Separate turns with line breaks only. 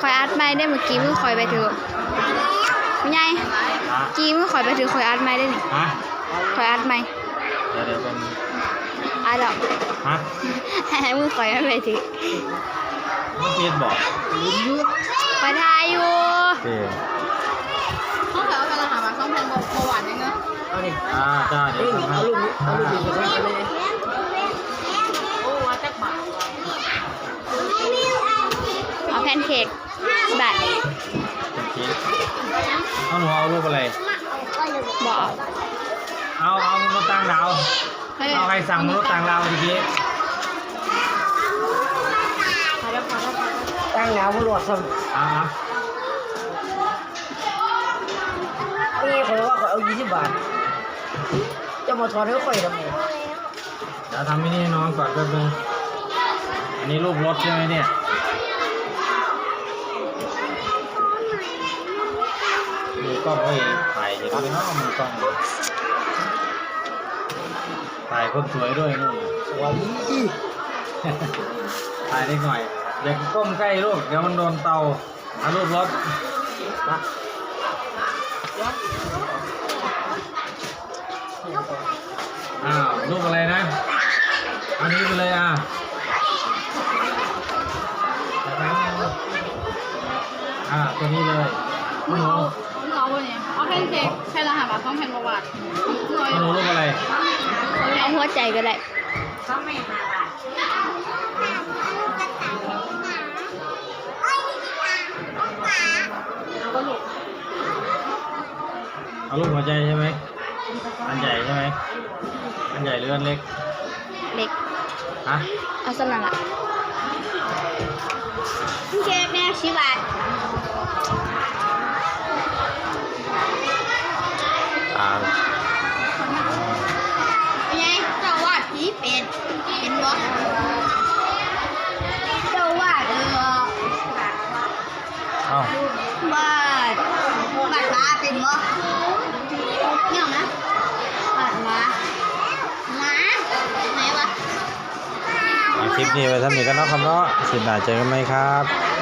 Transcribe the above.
คอยอัดไม่ได้เมื่อกี้มือคอยไปถือไม่ไงกี้มือคอยไปถือคอยอัดไม่ได้นี่คอยอัดไม่
เดี๋ยวเป็น
อัดหรอ
ฮะ
มือคอยไม่ไปถือ
ไม่เพียนบอก
ไปทายอยู่
เขาเถอะกำลังหามาช่องเพลงเบาหวานยังไง
เอาดิจ้าเดี๋ยว
เอาลูกดีกันเลยโอ้ว่าแจ็คบา
เอาแพนเค้กบัตร
เอาหนูเอารูปอะไร
บอก
เอามนุษย์ต่างดาวเอาใครสั่งมนุษย์ต่างดาวทีนี้
ตั้งแล้วบรวดสั่งนี่เขาว่าเขาเอา20 บาทจะมาทอนให้ข่อยทำไม
จะทำไม่นี่น้องก่อนแป๊บนึงอันนี้รูปรถใช่ไหมเนี่ยมีกล้องไว้ถ่ายเห็นไหมเนาะมีกล้องถ่ายคนสวยด้วยนู่น
สวย
ถ่ายได้หน่อยอย่าก้มใกล้ลูกเดี๋ยวมันโดนเตาเอารูปรถรูปอะไรนะอันนี้ไปเลยตัวนี้เลย
มึงเอาเนี่ยเอาแพนเค้กใช่รหัสบัตรต้องแพนประวัติ
หนูรูปอะไร
เอาหัวใจก็ได้
เอารูปหัวใจใช่ไหมอันใหญ่ใช่ไหมอันใหญ่หรืออันเล็ก
เล็กเอาสลัดละเค้กแม่10 บาท
เป็นไงเจ้าวาดผีเป็นบ่เจ้าวาดวาดมาเป็นบ่เนี่ยนะวาดมาไหนวะ
คลิปนี้ไว้ทำนี้กันเนาะครับเนาะสิบหน้าเจอกันไหมครับ